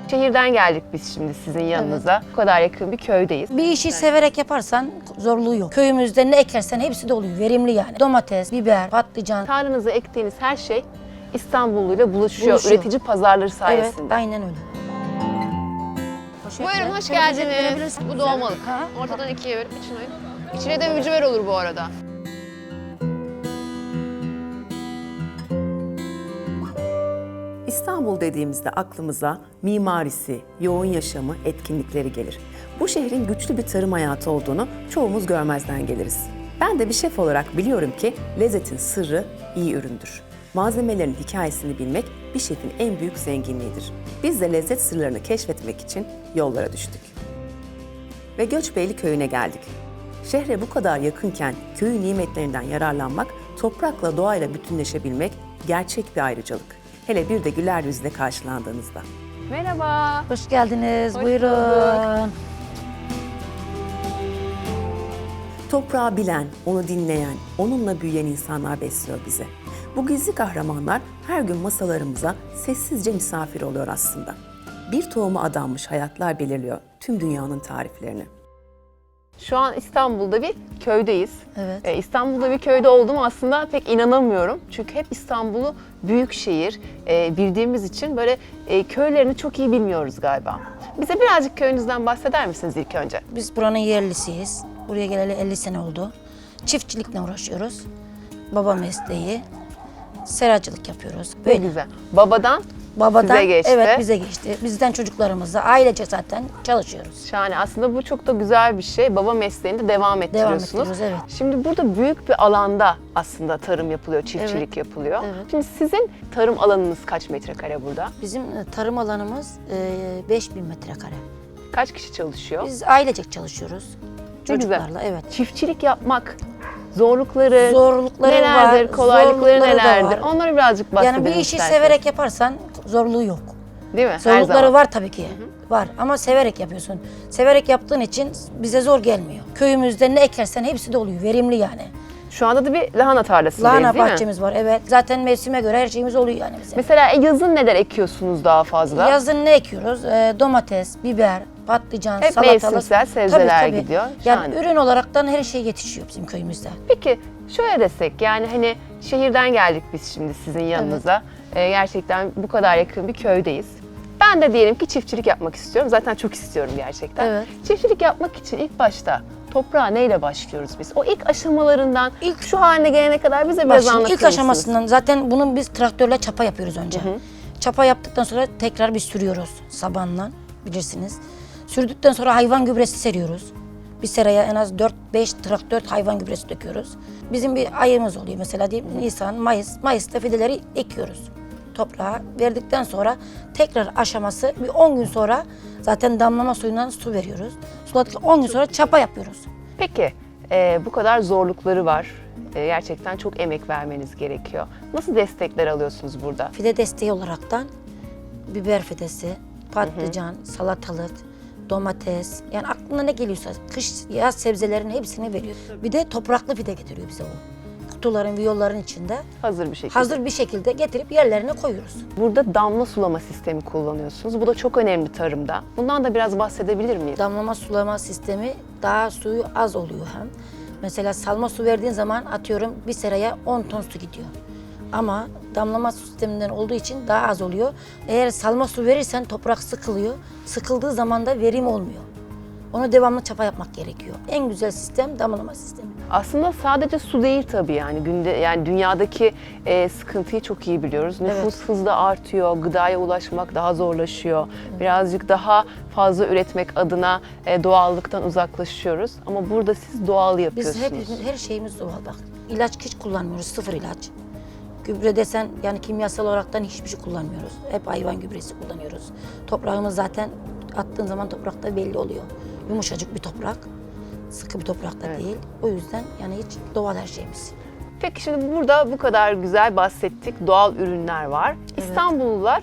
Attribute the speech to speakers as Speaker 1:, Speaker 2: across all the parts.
Speaker 1: Şehirden geldik biz şimdi sizin yanınıza. Bu kadar yakın bir köydeyiz.
Speaker 2: Bir işi severek yaparsan zorluğu yok. Köyümüzde ne ekersen hepsi de oluyor. Verimli yani. Domates, biber, patlıcan.
Speaker 1: Tarlanıza ektiğiniz her şey İstanbulluyla buluşuyor. Üretici pazarları sayesinde.
Speaker 2: Evet, aynen öyle.
Speaker 1: Buyurun, hoş
Speaker 2: Şöyle
Speaker 1: geldiniz.
Speaker 2: görebilirsiniz.
Speaker 1: Bu dolmalık.
Speaker 2: Ha.
Speaker 1: Ortadan ikiye bölüp içine koyun. İçine de mücver olur bu arada.
Speaker 3: İstanbul dediğimizde aklımıza mimarisi, yoğun yaşamı, etkinlikleri gelir. Bu şehrin güçlü bir tarım hayatı olduğunu çoğumuz görmezden geliriz. Ben de bir şef olarak biliyorum ki lezzetin sırrı iyi üründür. Malzemelerin hikayesini bilmek bir şefin en büyük zenginliğidir. Biz de lezzet sırlarını keşfetmek için yollara düştük. Ve Göçbeyli köyüne geldik. Şehre bu kadar yakınken köyün nimetlerinden yararlanmak, toprakla doğayla bütünleşebilmek gerçek bir ayrıcalık. Hele bir de güler yüzle karşılandığınızda.
Speaker 1: Merhaba.
Speaker 2: Hoş geldiniz.
Speaker 1: Hoş
Speaker 2: Buyurun.
Speaker 1: bulduk.
Speaker 3: Toprağı bilen, onu dinleyen, onunla büyüyen insanlar besliyor bizi. Bu gizli kahramanlar her gün masalarımıza sessizce misafir oluyor aslında. Bir tohuma adanmış hayatlar belirliyor tüm dünyanın tariflerini.
Speaker 1: Şu an İstanbul'da bir köydeyiz.
Speaker 2: Evet.
Speaker 1: İstanbul'da bir köyde olduğumu aslında pek inanamıyorum. Çünkü hep İstanbul'u büyük şehir bildiğimiz için böyle köylerini çok iyi bilmiyoruz galiba. Bize birazcık köyünüzden bahseder misiniz ilk önce?
Speaker 2: Biz buranın yerlisiyiz. Buraya geleli 50 sene oldu. Çiftçilikle uğraşıyoruz. Baba mesleği. Seracılık yapıyoruz.
Speaker 1: Ne
Speaker 2: Böyle.
Speaker 1: güzel. Babadan
Speaker 2: Babadan,
Speaker 1: size geçti.
Speaker 2: evet bize geçti. Bizden çocuklarımızla ailece zaten çalışıyoruz.
Speaker 1: Şahane. Aslında bu çok da güzel bir şey. Baba mesleğinde devam ettiriyorsunuz.
Speaker 2: ettiriyoruz, evet.
Speaker 1: Şimdi burada büyük bir alanda aslında tarım yapılıyor, çiftçilik
Speaker 2: Evet.
Speaker 1: yapılıyor.
Speaker 2: Evet.
Speaker 1: Şimdi sizin tarım alanınız kaç metrekare burada?
Speaker 2: Bizim tarım alanımız 5000 metrekare.
Speaker 1: Kaç kişi çalışıyor?
Speaker 2: Biz ailecek çalışıyoruz.
Speaker 1: Ne güzel.
Speaker 2: Çocuklarla, evet.
Speaker 1: Çiftçilik yapmak zorlukları,
Speaker 2: Zorlukları
Speaker 1: nelerdir,
Speaker 2: var,
Speaker 1: kolaylıkları
Speaker 2: zorlukları da
Speaker 1: nelerdir?
Speaker 2: var.
Speaker 1: Onları birazcık bahsedelim
Speaker 2: Yani bir işi
Speaker 1: isterseniz.
Speaker 2: severek yaparsan zorluğu yok.
Speaker 1: Değil mi? Her
Speaker 2: Zorlukları
Speaker 1: zaman.
Speaker 2: var tabii ki. Var ama severek yapıyorsun. Severek yaptığın için bize zor gelmiyor. Köyümüzde ne ekersen hepsi de oluyor. Verimli yani.
Speaker 1: Şu anda da bir lahana tarlasındayız
Speaker 2: Lahana
Speaker 1: değil mi?
Speaker 2: bahçemiz var, evet. Zaten mevsime göre her şeyimiz oluyor yani bize.
Speaker 1: Mesela yazın neler ekiyorsunuz daha fazla?
Speaker 2: Yazın ne ekiyoruz? Domates, biber, patlıcan,
Speaker 1: Hep
Speaker 2: salatalık.
Speaker 1: mevsimsel sebzeler gidiyor.
Speaker 2: Yani
Speaker 1: Şahane.
Speaker 2: ürün olaraktan her şey yetişiyor bizim köyümüzde.
Speaker 1: Peki şöyle desek yani hani şehirden geldik biz şimdi sizin yanınıza. Gerçekten bu kadar yakın bir köydeyiz. Ben de diyelim ki çiftçilik yapmak istiyorum. Zaten çok istiyorum gerçekten.
Speaker 2: Evet.
Speaker 1: Çiftçilik yapmak için ilk başta toprağa neyle başlıyoruz biz? O ilk aşamalarından şu haline gelene kadar bize
Speaker 2: Bak
Speaker 1: biraz
Speaker 2: şimdi
Speaker 1: anlatır
Speaker 2: ilk
Speaker 1: mısınız?
Speaker 2: aşamasından zaten bunun biz traktörle çapa yapıyoruz önce. Çapa yaptıktan sonra tekrar bir sürüyoruz sabanla, bilirsiniz. Sürdükten sonra hayvan gübresi seriyoruz. Bir seraya en az 4-5 traktör hayvan gübresi döküyoruz. Bizim bir ayımız oluyor mesela diyelim Nisan, Mayıs. Mayıs'ta fideleri ekiyoruz. Toprağa verdikten sonra tekrar aşaması bir 10 gün sonra zaten damlama suyundan su veriyoruz. Suladıktan 10 gün sonra çapa yapıyoruz.
Speaker 1: Peki bu kadar zorlukları var. Gerçekten çok emek vermeniz gerekiyor. Nasıl destekler alıyorsunuz burada?
Speaker 2: Fide desteği olaraktan biber fidesi, patlıcan, salatalık, domates, yani aklına ne geliyorsa kış, yaz sebzelerin hepsini veriyor. Bir de topraklı fide getiriyor bize o. Kutuların, viyolların içinde
Speaker 1: Hazır bir şekilde.
Speaker 2: hazır bir şekilde getirip yerlerine koyuyoruz.
Speaker 1: Burada damla sulama sistemi kullanıyorsunuz. Bu da çok önemli tarımda. Bundan da biraz bahsedebilir miyiz?
Speaker 2: Damlama sulama sistemi daha suyu az oluyor hem. Mesela salma su verdiğin zaman atıyorum bir seraya 10 ton su gidiyor. Ama damlama sisteminden olduğu için daha az oluyor. Eğer salma su verirsen toprak sıkılıyor. Sıkıldığı zaman da verim olmuyor. Onu devamlı çapa yapmak gerekiyor. En güzel sistem damlama sistemi.
Speaker 1: Aslında sadece su değil tabii yani dünyadaki sıkıntıyı çok iyi biliyoruz. Nüfus hızla artıyor, gıdaya ulaşmak daha zorlaşıyor. Birazcık daha fazla üretmek adına doğallıktan uzaklaşıyoruz. Ama burada siz doğal yapıyorsunuz.
Speaker 2: Biz her şeyimiz doğal bak. İlaç hiç kullanmıyoruz, sıfır ilaç. Gübre desen yani kimyasal olaraktan hiçbir şey kullanmıyoruz. Hep hayvan gübresi kullanıyoruz. Toprağımız zaten attığın zaman toprakta belli oluyor. Yumuşacık bir toprak, sıkı bir toprakta değil. O yüzden yani hiç doğal her şeyimiz.
Speaker 1: Peki şimdi burada bu kadar güzel bahsettik. Doğal ürünler var. İstanbullular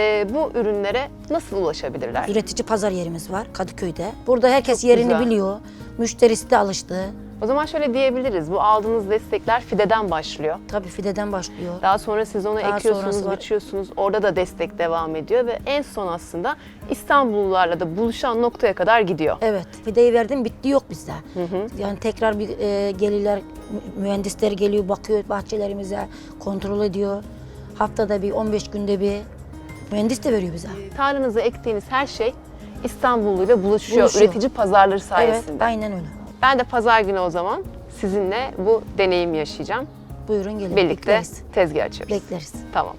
Speaker 1: bu ürünlere nasıl ulaşabilirler?
Speaker 2: Üretici pazar yerimiz var Kadıköy'de. Burada herkes yerini
Speaker 1: güzel.
Speaker 2: biliyor. Müşterisi de alıştı.
Speaker 1: O zaman şöyle diyebiliriz. Bu aldığınız destekler fideden başlıyor.
Speaker 2: Tabii fideden başlıyor.
Speaker 1: Daha sonra siz onu
Speaker 2: Daha
Speaker 1: ekiyorsunuz,
Speaker 2: sonrası var.
Speaker 1: biçiyorsunuz. Orada da destek devam ediyor ve en son aslında İstanbullularla da buluşan noktaya kadar gidiyor.
Speaker 2: Evet, fideyi verdim, bitti, yok bizde. Yani tekrar bir gelirler, mühendisler geliyor, bakıyor bahçelerimize, kontrol ediyor. Haftada bir, 15 günde bir mühendis de veriyor bize.
Speaker 1: Tarlanıza ektiğiniz her şey İstanbulluyla buluşuyor.
Speaker 2: Buluşuyor.
Speaker 1: Üretici pazarları
Speaker 2: Evet,
Speaker 1: sayesinde.
Speaker 2: aynen öyle.
Speaker 1: Ben de pazar günü o zaman sizinle bu deneyimi yaşayacağım.
Speaker 2: Buyurun gelin,
Speaker 1: Birlikte
Speaker 2: bekleriz.
Speaker 1: tezgah açıyoruz.
Speaker 2: Bekleriz.
Speaker 1: Tamam.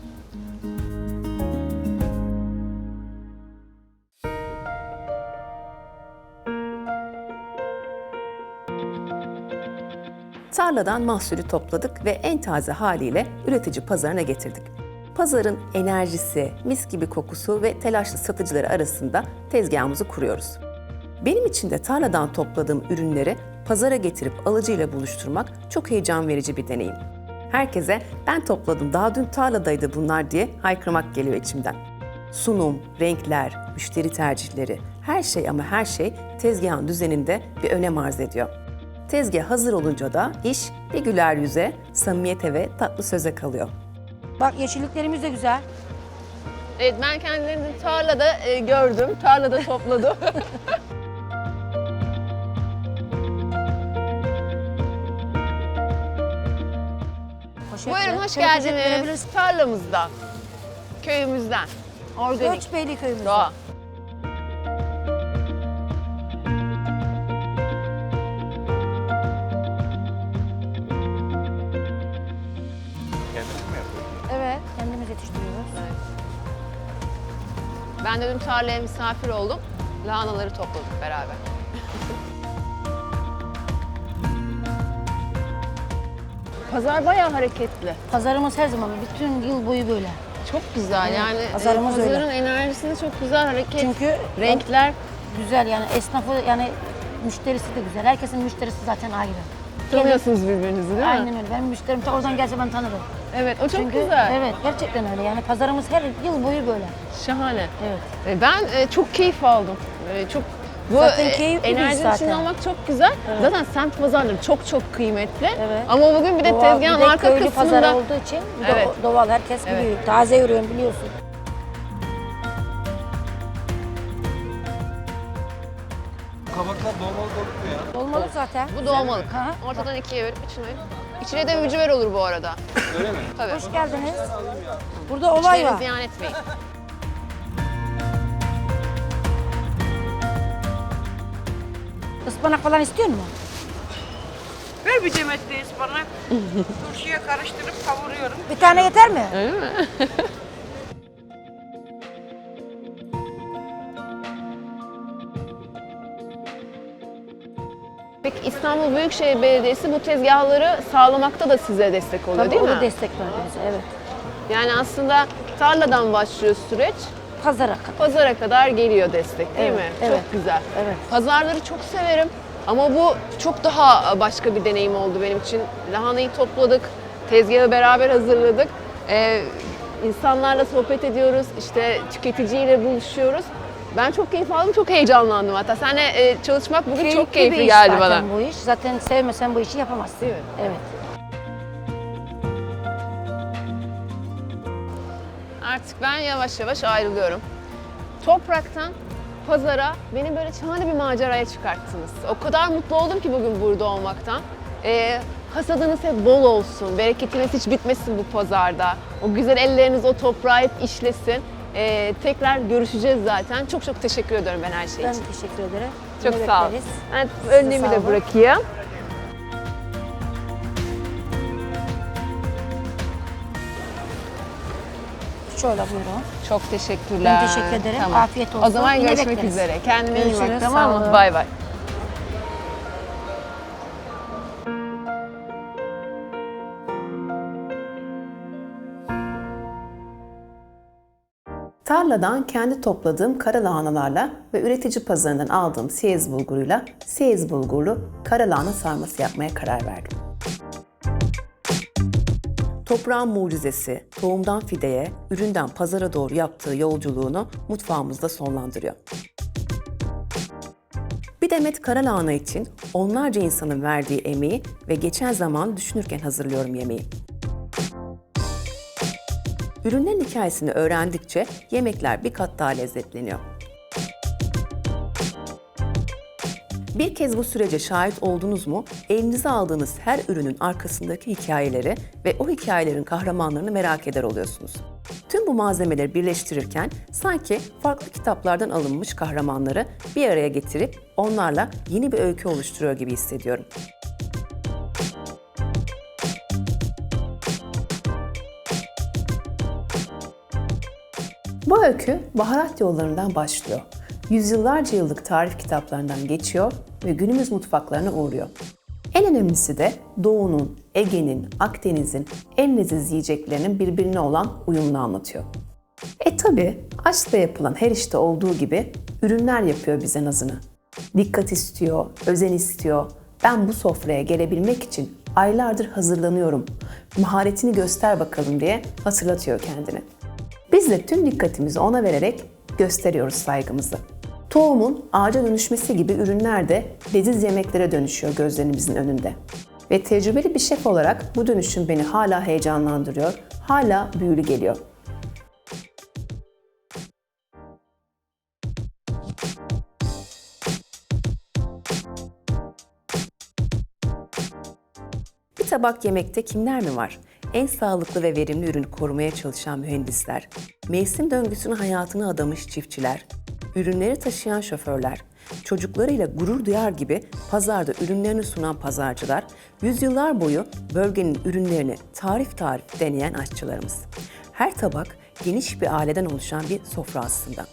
Speaker 3: Tarladan mahsulü topladık ve en taze haliyle üretici pazarına getirdik. Pazarın enerjisi, mis gibi kokusu ve telaşlı satıcıları arasında tezgahımızı kuruyoruz. Benim için de tarladan topladığım ürünleri pazara getirip alıcıyla buluşturmak çok heyecan verici bir deneyim. Herkese ben topladım, daha dün tarladaydı bunlar diye haykırmak geliyor içimden. Sunum, renkler, müşteri tercihleri, her şey ama her şey tezgahın düzeninde bir önem arz ediyor. Tezgah hazır olunca da iş bir güler yüze, samimiyete ve tatlı söze kalıyor.
Speaker 2: Bak yeşilliklerimiz de güzel.
Speaker 1: Evet, ben kendilerini tarlada gördüm, tarlada topladım. Buyurun, hoş geldiniz. Tarlamızdan, köyümüzden, organik,
Speaker 2: Göçbeyli köyümüzde.
Speaker 1: doğa.
Speaker 2: Evet, kendimiz yetiştiriyoruz.
Speaker 1: Ben de dün tarlaya misafir oldum. Lahanaları topladık beraber. Pazar bayağı hareketli.
Speaker 2: Pazarımız her zaman, bütün yıl boyu böyle.
Speaker 1: Çok güzel yani
Speaker 2: pazarımız öyle.
Speaker 1: pazarın enerjisinde çok güzel hareket.
Speaker 2: Çünkü
Speaker 1: renkler
Speaker 2: güzel, yani esnafı, yani müşterisi de güzel. Herkesin müşterisi zaten ayrı.
Speaker 1: tanıyorsunuz birbirinizi değil mi?
Speaker 2: Aynen öyle. Benim müşterim ta oradan gelse ben tanırım.
Speaker 1: Evet, o çok
Speaker 2: Çünkü
Speaker 1: güzel.
Speaker 2: evet, gerçekten öyle. Yani pazarımız her yıl boyu böyle.
Speaker 1: Şahane.
Speaker 2: Evet.
Speaker 1: Ben çok keyif aldım. Çok bu
Speaker 2: Zaten keyifli bir iş
Speaker 1: enerjinin
Speaker 2: zaten.
Speaker 1: içinde olmak çok güzel. Zaten semt pazarları çok kıymetli.
Speaker 2: Evet.
Speaker 1: Ama bugün bir de
Speaker 2: Doğal,
Speaker 1: tezgahın
Speaker 2: bir de
Speaker 1: arka
Speaker 2: köylü
Speaker 1: kısmında
Speaker 2: pazarı olduğu için bir de
Speaker 1: Evet.
Speaker 2: doğal, herkes
Speaker 1: Evet.
Speaker 2: biliyor. Taze ürün biliyorsun.
Speaker 4: Kabaklar dolmalı doluklu ya.
Speaker 2: Dolmalık zaten.
Speaker 1: bu doğmalık.
Speaker 2: Ha.
Speaker 1: Ortadan ikiye bölüp içine. İçine de mücver olur bu arada.
Speaker 4: Öyle mi?
Speaker 1: Tabii.
Speaker 2: Hoş geldiniz. Burada olay
Speaker 1: İçleri
Speaker 2: var.
Speaker 1: ziyan etmeyin.
Speaker 2: Ispanak falan istiyor musun?
Speaker 5: Ver bir demet de ıspanak. Turşuya karıştırıp kavuruyorum.
Speaker 2: Bir tane yeter mi?
Speaker 1: Öyle mi? Peki İstanbul Büyükşehir Belediyesi bu tezgahları sağlamakta da size destek oluyor
Speaker 2: Tabii
Speaker 1: değil
Speaker 2: o da
Speaker 1: mi?
Speaker 2: destek verdi bize, evet.
Speaker 1: Yani aslında tarladan başlıyor süreç,
Speaker 2: Pazara kadar.
Speaker 1: pazara kadar geliyor destek değil
Speaker 2: Evet,
Speaker 1: mi?
Speaker 2: evet.
Speaker 1: Çok güzel.
Speaker 2: Evet.
Speaker 1: Pazarları çok severim ama bu çok daha başka bir deneyim oldu benim için. Lahanayı topladık, tezgahı beraber hazırladık. İnsanlarla sohbet ediyoruz, işte tüketiciyle buluşuyoruz. Ben çok keyif aldım, çok heyecanlandım hatta. Seninle çalışmak bugün çok
Speaker 2: bir
Speaker 1: keyifli
Speaker 2: iş
Speaker 1: geldi
Speaker 2: zaten
Speaker 1: bana.
Speaker 2: bu iş. Zaten sevmesen bu işi yapamazsın.
Speaker 1: Değil mi?
Speaker 2: Evet.
Speaker 1: Artık ben yavaş yavaş ayrılıyorum. Topraktan pazara beni böyle şahane bir maceraya çıkarttınız. O kadar mutlu oldum ki bugün burada olmaktan. Hasadınız hep bol olsun, bereketiniz hiç bitmesin bu pazarda. O güzel elleriniz o toprağı hep işlesin. Tekrar görüşeceğiz zaten. Çok çok teşekkür ediyorum ben her şey
Speaker 2: Ben
Speaker 1: için.
Speaker 2: teşekkür ederim.
Speaker 1: Çok
Speaker 2: Yine
Speaker 1: sağ ol.
Speaker 2: bekleriz.
Speaker 1: Ben
Speaker 2: Size
Speaker 1: önlüğümü
Speaker 2: sağ
Speaker 1: de
Speaker 2: olun.
Speaker 1: bırakayım.
Speaker 2: Şöyle buyurun.
Speaker 1: Çok teşekkürler.
Speaker 2: Ben teşekkür ederim. Afiyet
Speaker 1: O
Speaker 2: olsun.
Speaker 1: zaman
Speaker 2: Yine
Speaker 1: görüşmek
Speaker 2: bekleriz.
Speaker 1: üzere. Kendine iyi bak,
Speaker 2: Görüşürüz,
Speaker 1: tamam
Speaker 2: sağ
Speaker 1: mı?
Speaker 2: olun.
Speaker 1: Bay bay.
Speaker 3: Tarladan kendi topladığım kara lahanalarla ve üretici pazarından aldığım siyez bulguruyla siyez bulgurlu kara lahana sarması yapmaya karar verdim. Toprağın mucizesi, tohumdan fideye, üründen pazara doğru yaptığı yolculuğunu mutfağımızda sonlandırıyor. Bir demet karalahana için onlarca insanın verdiği emeği ve geçen zamanı düşünürken hazırlıyorum yemeği. Ürünlerin hikayesini öğrendikçe yemekler bir kat daha lezzetleniyor. Bir kez bu sürece şahit oldunuz mu, elinize aldığınız her ürünün arkasındaki hikayeleri ve o hikayelerin kahramanlarını merak eder oluyorsunuz. Tüm bu malzemeleri birleştirirken sanki farklı kitaplardan alınmış kahramanları bir araya getirip onlarla yeni bir öykü oluşturuyor gibi hissediyorum. Bu öykü baharat yollarından başlıyor. Yüzyıllarca yıllık tarif kitaplarından geçiyor ve günümüz mutfaklarına uğruyor. En önemlisi de Doğu'nun, Ege'nin, Akdeniz'in en leziz yiyeceklerinin birbirine olan uyumunu anlatıyor. Tabii aşkla yapılan her işte olduğu gibi ürünler yapıyor bize nazını. Dikkat istiyor, özen istiyor. Ben bu sofraya gelebilmek için aylardır hazırlanıyorum. Maharetini göster bakalım diye hatırlatıyor kendini. Biz de tüm dikkatimizi ona vererek gösteriyoruz saygımızı. Tohumun ağaca dönüşmesi gibi ürünler de leziz yemeklere dönüşüyor gözlerimizin önünde. Ve tecrübeli bir şef olarak bu dönüşüm beni hala heyecanlandırıyor, hala büyülü geliyor. Bir tabak yemekte kimler mi var? En sağlıklı ve verimli ürünü korumaya çalışan mühendisler, mevsim döngüsünün hayatını adamış çiftçiler, ürünleri taşıyan şoförler, çocuklarıyla gurur duyar gibi pazarda ürünlerini sunan pazarcılar, yüzyıllar boyu bölgenin ürünlerini tarif deneyen aşçılarımız. Her tabak geniş bir aileden oluşan bir sofra aslında.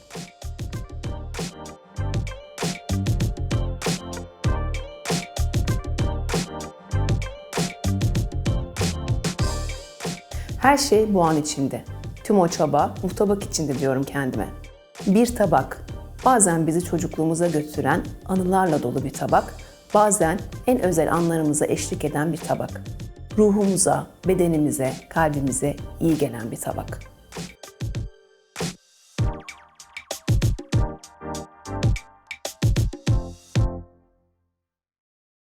Speaker 3: Her şey bu an içinde. Tüm o çaba bu tabak içinde diyorum kendime. Bir tabak, bazen bizi çocukluğumuza götüren anılarla dolu bir tabak, bazen en özel anlarımıza eşlik eden bir tabak. Ruhumuza, bedenimize, kalbimize iyi gelen bir tabak.